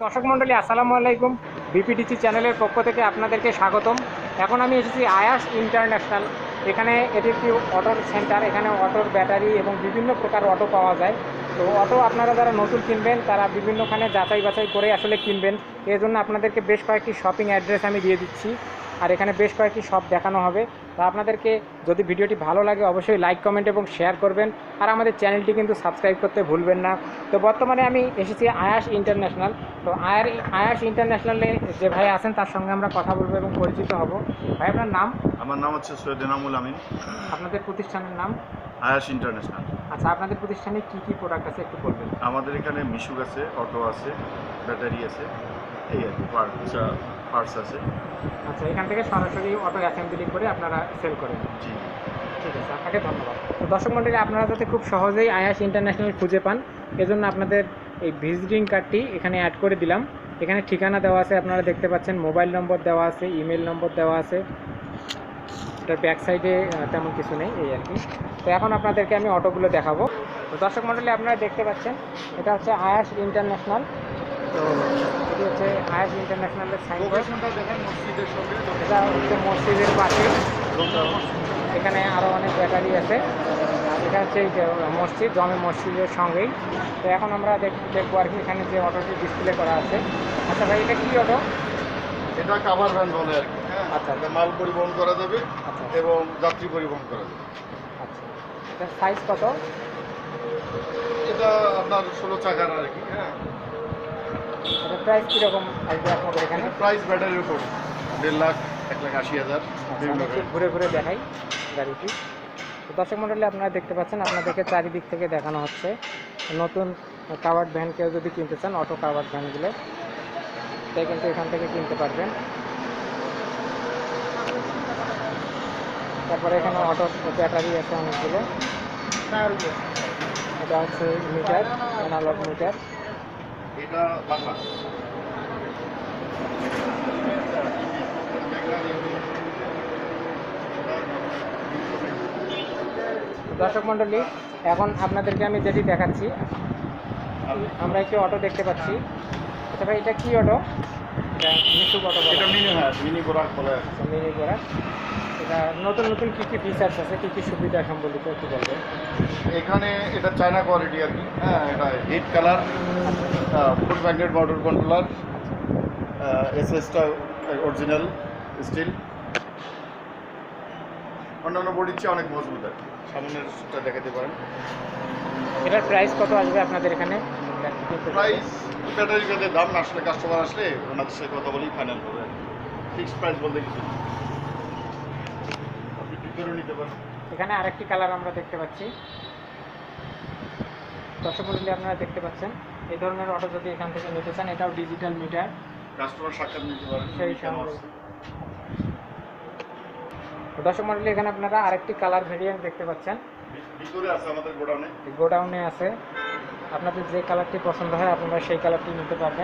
দর্শক মণ্ডলী আসসালামু আলাইকুম। বিপিডিসি চ্যানেলের পক্ষ থেকে আপনাদেরকে স্বাগতম। এখন আমি এসেছি আয়াস ইন্টারন্যাশনাল। এখানে এটি একটি অটোর সেন্টার। এখানে অটোর ব্যাটারি এবং বিভিন্ন প্রকার অটো পাওয়া যায়। তো অটো আপনারা যারা নতুন কিনবেন তারা বিভিন্নখানে যাচাই বাছাই করে আসলে কিনবেন। এর জন্য আপনাদেরকে বেশ কয়েকটি শপিং অ্যাড্রেস আমি দিয়ে দিচ্ছি, আর এখানে বেশ কয়েকটি শপ দেখানো হবে। তা আপনাদেরকে যদি ভিডিওটি ভালো লাগে অবশ্যই লাইক কমেন্ট এবং শেয়ার করবেন, আর আমাদের চ্যানেলটি কিন্তু সাবস্ক্রাইব করতে ভুলবেন না। তো বর্তমানে আমি এসেছি আয়াস ইন্টারন্যাশনাল। তো আয়াস ইন্টারন্যাশনালে যে ভাই আছেন তার সঙ্গে আমরা কথা বলবো এবং পরিচিত হব। ভাই আপনার নাম? আমার নাম হচ্ছে সৈয়দ এনামুল আমিন। আপনাদের প্রতিষ্ঠানের নাম? আয়াস ইন্টারন্যাশনাল। আচ্ছা, আপনাদের প্রতিষ্ঠানে কি কি প্রোডাক্ট আছে একটু বলবেন? আমাদের এখানে মিশুক আছে, অটো আছে, ব্যাটারি আছে, এই আর কি পার্টস আছে। আচ্ছা, এখান থেকে সরাসরি অটো অ্যাসেম্বলি করে আপনারা সেল করেন? জি, ঠিক আছে, আপনাকে ধন্যবাদ। তো দর্শক মণ্ডলী, আপনারা যাতে খুব সহজেই আয়াস ইন্টারন্যাশনাল খুঁজে পান এজন্য আপনাদের এই ভিজিটিং কার্ডটি এখানে অ্যাড করে দিলাম। এখানে ঠিকানা দেওয়া আছে, আপনারা দেখতে পাচ্ছেন, মোবাইল নম্বর দেওয়া আছে, ইমেল নম্বর দেওয়া আছে। এটার ব্যাক সাইডে তেমন কিছু নেই, এই আর কি। তো এখন আপনাদেরকে আমি অটোগুলো দেখাবো। তো দর্শক মণ্ডলী, আপনারা দেখতে পাচ্ছেন এটা হচ্ছে আয়াস ইন্টারন্যাশনাল। তো এটি হচ্ছে আয়াস ইন্টারন্যাশনালের সাইনবোর্ড। এটা হচ্ছে মসজিদের পাশে। এখানে আরও অনেক ব্যাটারি আছে। আর এটা হচ্ছে এই যে মসজিদ, জমে মসজিদের সঙ্গেই। তো এখন আমরা দেখবো আর কি এখানে যে অটোটি ডিসপ্লে করা আছে। আচ্ছা ভাই, এটা কী অটো? এটা কাভার ভ্যান বলে আর কি। আচ্ছা, এটা মাল পরিবহন করা যাবে আচ্ছা এবং যাত্রী পরিবহন করা যাবে। আচ্ছা, এটার সাইজ কত? এটা আপনার 16 চাকার আর কি। এটার প্রাইস কীরকম আসবে আপনাদের এখানে? প্রাইস ব্যাটারির উপর 1.5 লাখ, 1,80,000 বিভিন্ন আমি ঘুরে ঘুরে দেখাই গাড়িটি। তো দর্শক মণ্ডলী, আপনারা দেখতে পাচ্ছেন, আপনাদেরকে চারিদিক থেকে দেখানো হচ্ছে। নতুন কাভার্ড ভ্যান কেউ যদি কিনতে চান, অটো কাভার্ড ভ্যানগুলো, তাই কিন্তু এখান থেকে কিনতে পারবেন। তারপরে এখানে অটো ব্যাটারি আছে অনেকগুলো। এটা হচ্ছে মিটার, অ্যানালগ মিটার। এটা বাংলা। দর্শক মণ্ডলী, এখন আপনাদেরকে আমি যেটি দেখাচ্ছি, আমরা একটি অটো দেখতে পাচ্ছি। আচ্ছা ভাই, এটা কি অটো? এটা মিশুক অটো বলে? এটা মিনি বোরাক বলে। আচ্ছা, মিনি করা। এটা নতুন নতুন কী কী ফিচার্স আছে, কী কী সুবিধা সম্বলিত একটু বলবেন? এখানে এটা চায়না কোয়ালিটি আর কি। এটা heat colour, full magnet motor controller, এসএসটা অরিজিনাল স্টিল, অন্যান্য বডির চেয়ে অনেক মজবুত আর কি। সামনেরটা দেখাতে পারেন। এটার প্রাইস কত আসবে আপনাদের এখানে? প্রাইস ব্যাটারি ভেদে দাম, না আসলে কাস্টমার আসলে ওনাদের সাথে কথা বলেই ফাইনাল হবে। ফিক্সড প্রাইস বলতে কিছু নেই, আপনি ঠিক করে নিতে পারেন। এখানে আরেকটি কালার আমরা দেখতে পাচ্ছি। দর্শক মণ্ডলী, আপনারা দেখতে পাচ্ছেন, এই ধরনের অটো যদি এখান থেকে নিতে চান, এটাও ডিজিটাল মিটার, কাস্টমার সাক্ষাৎ নিতে পারেন সেই সঙ্গে। দর্শক মণ্ডলী, এখানে আপনারা আরেকটি কালার ভেরিয়েন্ট দেখতে পাচ্ছেন, ভিতরে আছে আমাদের গোডাউনে। গোডাউনে আছে। আপনাদের যে কালারটি পছন্দ হয় আপনারা সেই কালারটি নিতে পারবেন।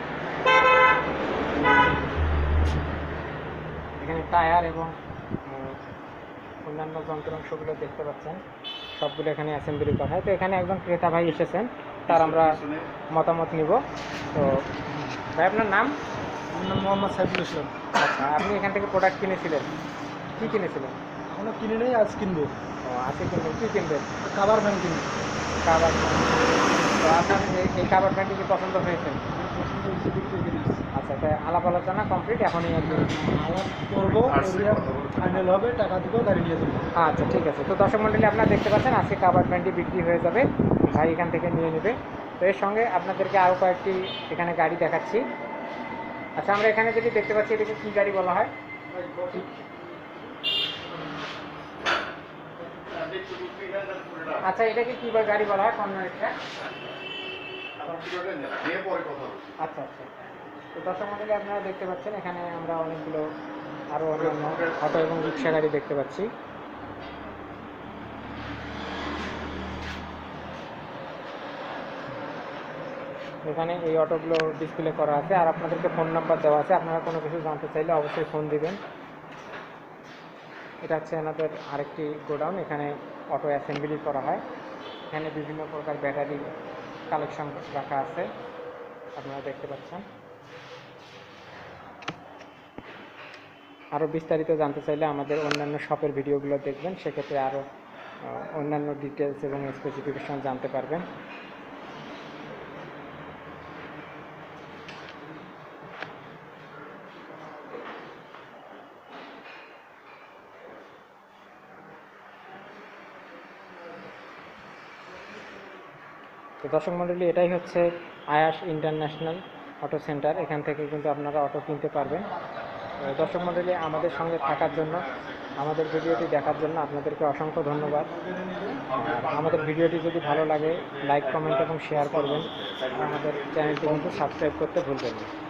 এখানে টায়ার এবং অন্যান্য যন্ত্রাংশগুলো দেখতে পাচ্ছেন, সবগুলো এখানে অ্যাসেম্বলি করা হয়। তো এখানে একজন ক্রেতা ভাই এসেছেন, তার আমরা মতামত নিব। তো ভাই, আপনার নাম? আমার নাম মোহাম্মদ সাইফুল ইসলাম। আচ্ছা, আপনি এখান থেকে প্রোডাক্ট কিনেছিলেন? কী কিনেছিলেন? এখনো কিনে নেই, আজ কিনবো। ও, আজকে কিনবেন। কী কিনবেন? কাভার ভ্যান কিনবো। Cover van. তো আপনার এই কাভার ভ্যানটি কি পছন্দ হয়েছে? পছন্দ হয়েছে, বিক্রি করে দিচ্ছি। আচ্ছা, তাই আলাপ আলোচনা কমপ্লিট, এখনই আর কি আলাপ করবো, ফাইনাল হবে, টাকা দেবো, গাড়ি নিয়ে যাবো। আচ্ছা, ঠিক আছে। তো দর্শক মণ্ডলী, আপনারা দেখতে পাচ্ছেন আজকে কাভার ভ্যানটি বিক্রি হয়ে যাবে, ভাই এখান থেকে নিয়ে নেবে। তো এর সঙ্গে আপনাদেরকে আরও কয়েকটি এখানে গাড়ি দেখাচ্ছি। আচ্ছা, আমরা এখানে যেটি দেখতে পাচ্ছি, এটাকে কী গাড়ি বলা হয়? আচ্ছা, এটাকে কী গাড়ি বলা হয়? কনভেয়ার? আচ্ছা আচ্ছা। তো দর্শক মণ্ডলী, আপনারা দেখতে পাচ্ছেন এখানে আমরা অনেকগুলো আরও অন্যান্য অটো এবং রিক্সা গাড়ি দেখতে পাচ্ছি। এখানে এই অটোগুলো ডিসপ্লে করা আছে, আর আপনাদেরকে ফোন নাম্বার দেওয়া আছে। আপনারা কোনো কিছু জানতে চাইলে অবশ্যই ফোন দিবেন। এটা হচ্ছে আমাদের আরেকটি গোডাউন, এখানে অটো অ্যাসেম্বলি করা হয়। এখানে বিভিন্ন প্রকার ব্যাটারি কালেকশন রাখা আছে। আপনারা দেখতে পাচ্ছেন। আরও বিস্তারিত জানতে চাইলে আমাদের অন্যান্য শপের ভিডিওগুলো দেখবেন, সেক্ষেত্রে আরও অন্যান্য ডিটেলস এবং স্পেসিফিকেশন জানতে পারবেন। তো দর্শক মণ্ডলী, এটাই হচ্ছে আয়াস ইন্টারন্যাশনাল অটো সেন্টার। এখান থেকে কিন্তু আপনারা অটো কিনতে পারবেন। দর্শক মণ্ডলী, আমাদের সঙ্গে থাকার জন্য, আমাদের ভিডিওটি দেখার জন্য আপনাদেরকে অসংখ্য ধন্যবাদ। আর আমাদের ভিডিওটি যদি ভালো লাগে লাইক, কমেন্ট এবং শেয়ার করবেন। আর আমাদের চ্যানেলটি কিন্তু সাবস্ক্রাইব করতে ভুলবেন না।